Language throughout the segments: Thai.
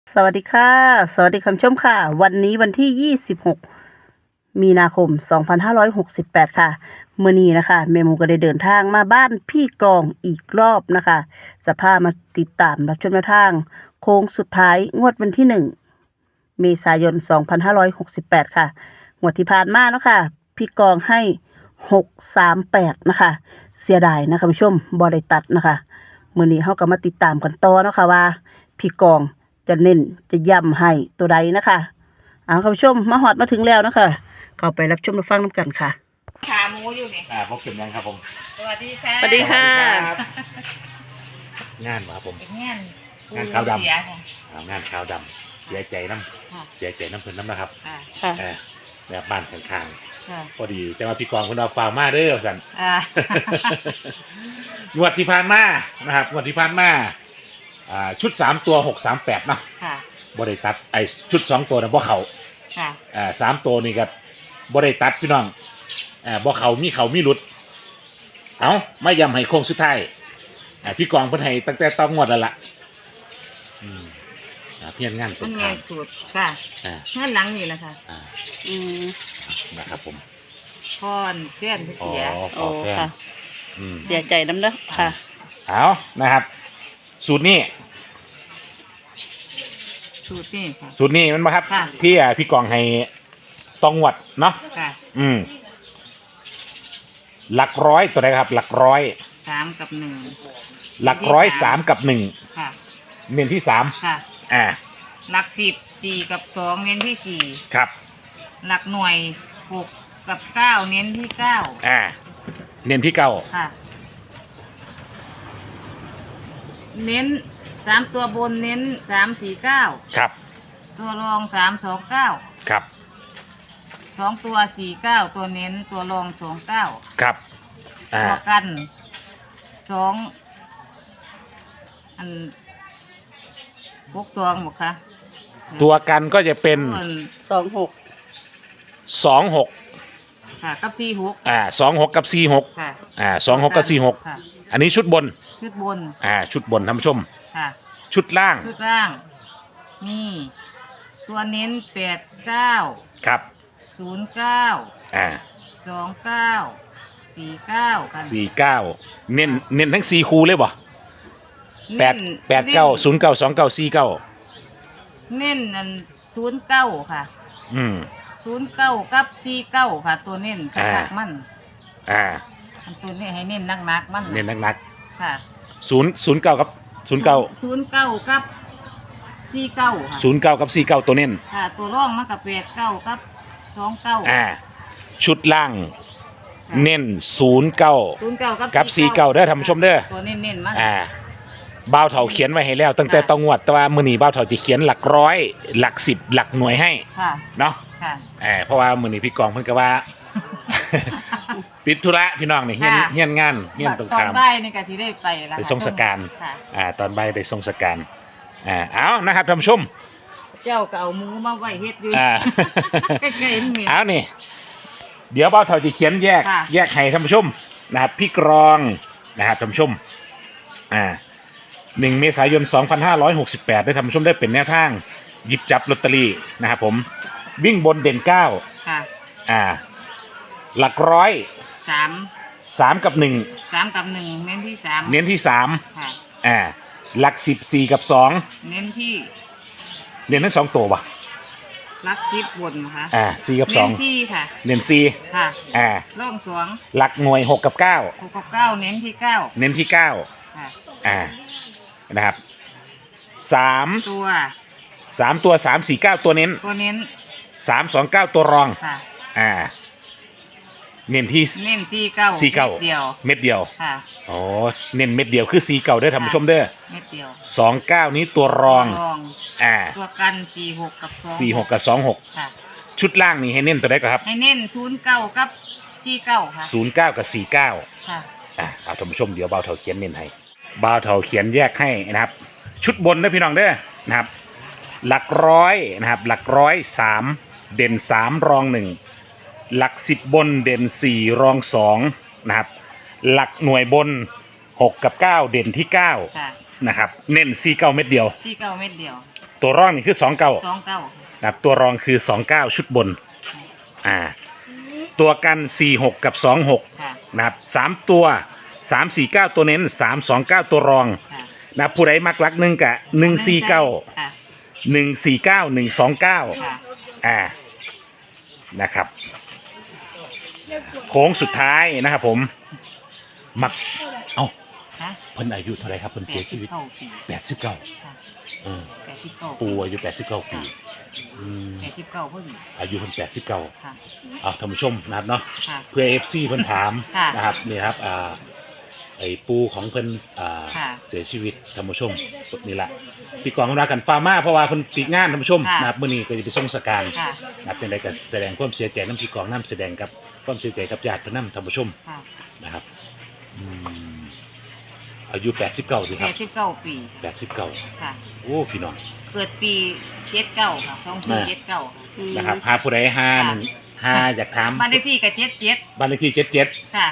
สวัสดีค่ะสวัสดีคุณผู้ชมค่ะวันนี้วันที่26มีนาคม2568ค่ะมื้อนี้นะคะแม่หมูก็ได้เดินทางมาบ้านพี่กรองอีกรอบนะคะจะพามาติดตามรับชมแนวทางโค้งสุดท้ายงวดวันที่1เมษายน2568ค่ะงวดที่ผ่านมาเนาะค่ะพี่กรองให้638นะคะเสียดายนะคะคุณผู้ชมบ่ได้ตัดนะคะมื้อนี้เฮาก็มาติดตามกันต่อเนาะค่ะว่าพี่กรองจะเน้นจะย้ำให้ตัวใดนะคะคุณผู้ชมมาฮอดมาถึงแล้วนะคะเข้าไปรับชมรับฟังน้ำกันค่ะขาหมูอยู่นี่พบกันยังครับผมสวัสดีค่ะสวัสดีค่ะงานครับผมงานขาวดำเสียค่ะงานขาวดำเสียใจน้ำเสียใจน้ำเพิ่นน้ำนะครับค่ะแบบบ้านข้างๆพอดีแต่ว่าพี่กองคุณเอาฟาวมาเด้อสันงวดที่ผ่านมานะครับงวดที่ผ่านมาชุด3ตัว638เนาะบริตัดไอชุด2ตัวนะบ่เขา3ตัวนี่ก็บริตัดพี่น้องบ่เขามีหลุดเอาไม่ยำให้โค้งสุดท้ายพี่กองเพิ่นให้ตั้งแต่ต้องงวดแล้วล่ะเพี้ยนงานตรงข้ามสูตรค่ะงานหลังนี่แหละค่ะนะครับผมพรเพื่อนเสียโอ้ค่ะเสียใจน้ำเด้อค่ะเอานะครับสูตรนี้ค่ะสูตรนี้มันมาครับพี่กองให้ต้องงวดเนาะหลักร้อยตัวไหนครับหลักร้อย 3 กับ 1 หลักร้อย3 กับ 1 ค่ะเน้นที่3 ค่ะหลัก10 4 กับ 2เน้นที่4 ครับหลักหน่วย6 กับ 9เน้นที่9 เน้นที่9 ค่ะเน้น3ตัวบนเน้น3 4 9 ครับตัวรอง3 2 9 ครับ 2ตัว4 9ตัวเน้นตัวรอง2 9 ครับตัวกัน2อัน62หมดค่ะตัวกันก็จะเป็น26 ค่ะกับ46 26กับ46 ค่ะ 26กับ46อันนี้ชุดบนชุดบนท่านผู้ชมค่ะชุดล่างนี่ตัวเน้น89 ครับ 0929 49กัน 49เน้นทั้ง4คู่เลยบ่8 9 0 9 2 9 4 9 เน้นอัน09ค่ะ09กับ49ค่ะตัวเน้นคักมันตัวนี้ให้เน้นนักมันเน้นนักค่ะ 09กับ 09กับ49ค่ะ 09กับ49ตัวเน้นค่ะตัวร่องมันกับ89กับ29 ชุดล่างเน้น09กับ49เด้อท่านผู้ชมเด้อตัวเน้นมันบ่าวเฒ่าเขียนไว้ให้แล้วตั้งแต่ต้องงวดแต่ว่ามื้อนี้บ่าวเฒ่าจะเขียนหลักร้อยหลัก10หลักหน่วยให้เนาะเพราะว่ามื้อนี้พี่กองเพิ่นก็ว่าปิดธุระพี่น้องนี่เฮียนงานเฮียนตรงข้ามตอนบ่ายนี่ก็สิได้ไปแล้วไปส่งสการตอนบ่ายได้ส่งสการเอานะครับท่านผู้ชมเจ้าก็เอาหมูมาไว้เฮ็ดอยู่ใกล้ๆนี่เอานี่เดี๋ยวบ่าวเฒ่าจะเขียนแยกให้ท่านผู้ชมนะครับพี่กรองนะครับท่านผู้ชม1 เมษายน 2568ได้ท่านผู้ชมได้เป็นแนวทางหยิบจับลอตเตอรี่นะครับผมวิ่งบนเด่น9 ค่ะหลักร้อย 3 กับ1 เน้นที่3 ค่ะหลัก10 4 กับ2 เน้นทั้ง2ตัวป่ะหลัก10บนนะคะ 4 กับ2 เน้น4ค่ะเน้น4 ค่ะร่อง2 หลักหน่วย6 กับ9 เน้นที่ 9ค่ะนะครับ3 ตัว 3 4 9ตัวเน้น3 2 9ตัวรองเน้นที่ 49 เม็ดเดียวค่ะเน้นเม็ดเดียวคือ49เด้อท่านผู้ชมเด้อเม็ดเดียว 29นี้ตัวรองตัวกัน46กับ 26ค่ะชุดล่างนี่ให้เน้นตัวใดครับให้เน้น09กับ49ค่ะ 09กับ49 ค่ะเอาท่านผู้ชมเดี๋ยวบ่าวเฒ่าเขียนเน้นให้บ่าวเฒ่าเขียนแยกให้นะครับชุดบนนะพี่น้องเด้อนะครับหลักร้อยนะครับหลักร้อย3เด่น3รอง1หลัก10บนเด่น4รอง2นะครับหลักหน่วยบน6กับ9เด่นที่9นะครับเน้น49เม็ดเดียว 49เม็ดเดียวตัวรองนี่คือ29 29 นะครับตัวรองคือ29ชุดบนตัวกัน46กับ26 ค่ะนะครับ3ตัว349ตัวเน้น329ตัวรองค่ะนะครับผู้ใดมักลักหนึ่งกับ149 ค่ะ 149 129 ค่ะนะครับโค้งสุดท้ายนะครับผมมักเอ้าค่ะเพิ่นอายุเท่าไหรครับเพิ่นเสียชีวิต 89 ค่ะเออ 89 ปู่อายุ89 ปี 89พอดีอายุเพิ่น89 ค่ะเอาท่านผู้ชมนะครับเนาะค่ะเพื่อ FC เพิ่นถามค่ะนะครับนี่ครับไอ้ปูของเพิ่นค่ะเสียชีวิตท่านผู้ชมนี่แหละพี่กองรักกันฟาร์มาเพราะว่าเพิ่นติดงานท่านผู้ชมค่ะนะครับมื้อนี้ก็จะไปส่งสการค่ะนะครับเป็นไรก็แสดงความเสียใจน้ำพี่กองน้ำแสดงกับความเสียใจกับญาติเพิ่นนำท่านผู้ชมค่ะนะครับอายุ89ดีครับ 89 ปี 89 ค่ะโอ้พี่น้องเกิดปี79ค่ะ2479ค่ะนะครับหาผู้ใด5อยากถามบ้านเลขที่ก็77 บ้านเลขที่77 ค่ะ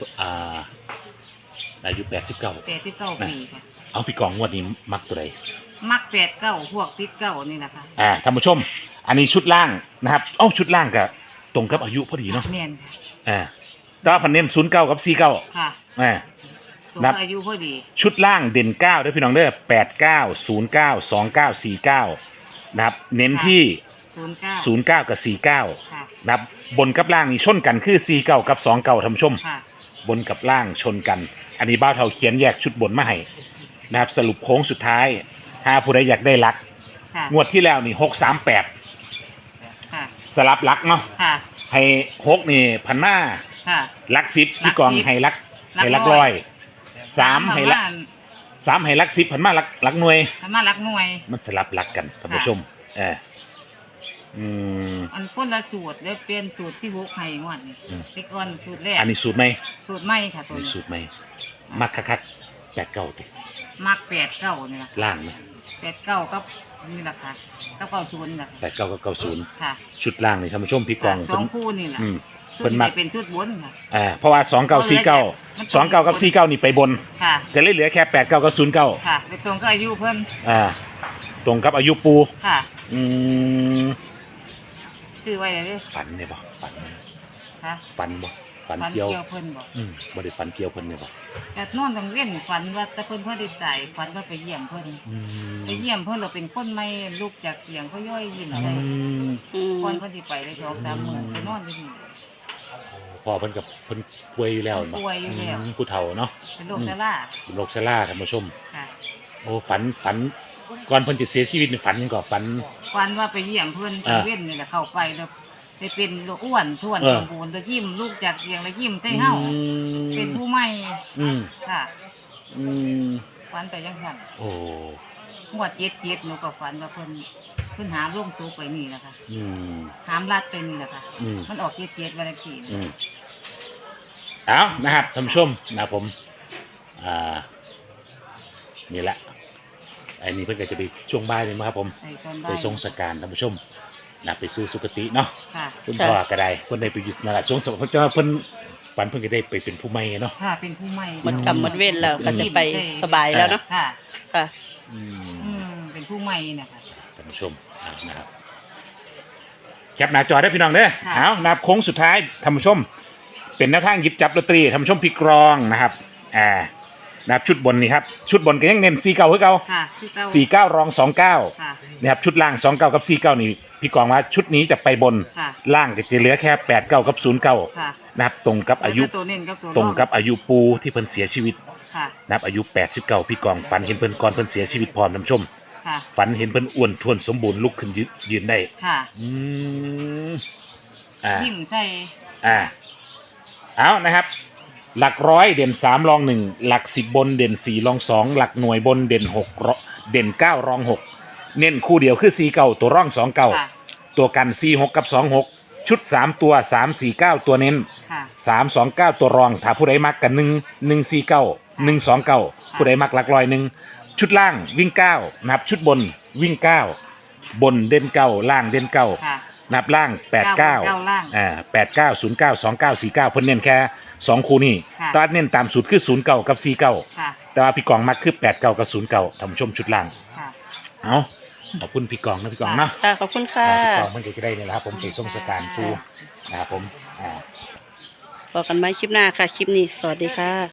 อายุ89 89 ปีค่ะเอาพี่กองงวดนี้มักตัวใดมัก89พวกติดเก้านี่นะคะท่านผู้ชม อันนี้ชุดล่างนะครับชุดล่างกับตรงกับอายุพอดีเนาะแม่นแต่ว่าพันเน้น09กับ49 ค่ะตัวนับอายุพอดีชุดล่างเด่น9ด้วยพี่น้องเด้อ89 09 29 49นะครับเน้นที่09กับ49 ค่ะนะครับบนกับล่างนี่ชนกันคือ49กับ29ท่านผู้ชมค่ะบนกับล่างชนกัน อันนี้บ้าวเทาเขียนแยกชุดบนมาให้นะครับสรุปโค้งสุดท้ายถ้าผู้ใดอยากได้ลักค่ะงวดที่แล้วนี่638 ค่ะสลับลักเนาะค่ะให้6นี่พันมาค่ะลัก10พี่กองลัก10 ให้ลักลักให้ลักร้ร้ออย ย3ให้ลัก3ให้ลัก10พันมาลักหน่วยทำมารักหน่วยมันสลับลักกันท่านผู้ชมอันคนละสูตรแล้วเปลี่ยนสูตรที่6ให้งวดนี่ติ๊กออนสูตรแรกอันนี้สูตรไหมสูตรใหม่ค่ะตัวมีนี้สูตรไหมมักคัก89ติมัก89นี่ล่ะล่างนะ 89กับนี่ล่ะค่ะ90นี่ล่ะ 89กับ90 ค่ะชุดล่างนี่ท่านผู้ชมพี่กองสองคู่นี่ล่ะเพิ่นมักเป็นชุดบนค่ะเพราะว่า2949กับ49นี่ไปบนค่ะจะเหลือแค่89กับ09 ค่ะไปตรงก็อายุเพิ่นตรงกับอายุปูค่ะชื่อไว้เลยฝันเนี่ยบ่ฝันค่ะฝันบ่ฝันฝันเกี่ยวเพิ่นบอกบ่ได้ฝันเกี่ยวเพิ่นเนี่ยบ่แต่นอนต้องเว้นฝันว่าแต่เพิ่นพอได้ตายฝันว่าไปเยี่ยมเพิ่นไปเยี่ยมเพิ่นเราเป็นคนไม่ลุกจากเตียงเขาย่อยยิ้มใส่ก่อนเพิ่นสิไปได้2-3มื้อไปนอนอยู่นี่พ่อเพิ่นกับเพิ่นป่วยอยู่แล้วป่วยอยู่แล้วผู้เฒ่าเนาะเป็นโรคชราเป็นโรคชราท่านผู้ชมค่ะโอ้ฝันก่อนเพิ่นจะเสียชีวิตนี่ฝันยังก็ฝันฝันว่าไปเยี่ยมเพิ่นไปเว้นนี่แหละเข้าไปแล้วไปเป็นโรคอ้วนท้วนสมบูรณ์แล้วยิ้มลูกจากเตียงแล้วยิ้มใส่เฮาเป็นผู้ใหม่ค่ะฝันไปจังซั่นโอ้งวด77หนูก็ฝันว่าเพิ่นหามลงสู่ไปนี่แหละค่ะหามลัดไปนี่แหละค่ะมันออก77วันที่เอานะครับท่านผู้ชมนะผมนี่แหละอันนี้เพิ่นก็จะไปช่วงบ่ายนี่มั้งครับผมไปทรงสการท่านผู้ชมนะไปสู่สุคติเนาะคุณพ่อก็ได้เพิ่นได้ไปอยู่นั่นแหละช่วงสเพิ่นจะเพิ่นฝันเพิ่นก็ได้ไปเป็นผู้ใหม่เนาะค่ะเป็นผู้ใหม่มันกำมันเว้นแล้วก็จะไปสบายแล้วเนาะค่ะค่ะเป็นผู้ใหม่นะคะท่านผู้ชมนะครับแคปหน้าจอได้พี่น้องเด้อเอานับโค้งสุดท้ายท่านผู้ชมเป็นแนวทางหยิบจับลอตเตอรี่ท่านผู้ชมพี่กรองนะครับนับชุดบนนี่ครับชุดบนก็ยังเน้น49คือเก่า49รอง29นะครับชุดล่าง29กับ49นี่พี่กรองว่าชุดนี้จะไปบนล่างก็จะเหลือแค่89กับ09นะครับตรงกับอายุตรงกับอายุปูที่เพิ่นเสียชีวิตนับอายุ89พี่กรองฝันเห็นเพิ่นก่อนเพิ่นเสียชีวิตพร้อมท่านผู้ชมฝันเห็นเพิ่นอ้วนท้วนสมบูรณ์ลุกขึ้นยืนได้ยิ้มใส่เอานะครับหลักร้อยเด่น3รอง1หลัก10บนเด่น4รอง2หลักหน่วยบนเด่น6เด่น9รอง6เน้นคู่เดียวคือ49ตัวร่อง29ตัวกัน46กับ26ชุด3ตัว349ตัวเน้น329ตัวรองถ้าผู้ใดมักกัน149 129ผู้ใดมักหลักร้อย1ชุดล่างวิ่ง9นับชุดบนวิ่ง9บนเด่น9ล่างเด่น9นับล่าง89 89 09 29 49เพิ่นเน้นแค่2คู่นี้ตอนเน้นตามสูตรคือ09กับ49แต่ว่าพี่กองมักคือ89กับ09ท่านผู้ชมชุดล่างเอาขอบคุณพี่กองนะพี่กองเนาะค่ะขอบคุณค่ะพี่กองมันก็จะได้เนี่ยนะครับผมไปส่งสการครูนะครับผมพบกันใหม่คลิปหน้าค่ะ คลิปนี้ สวัสดีค่ะ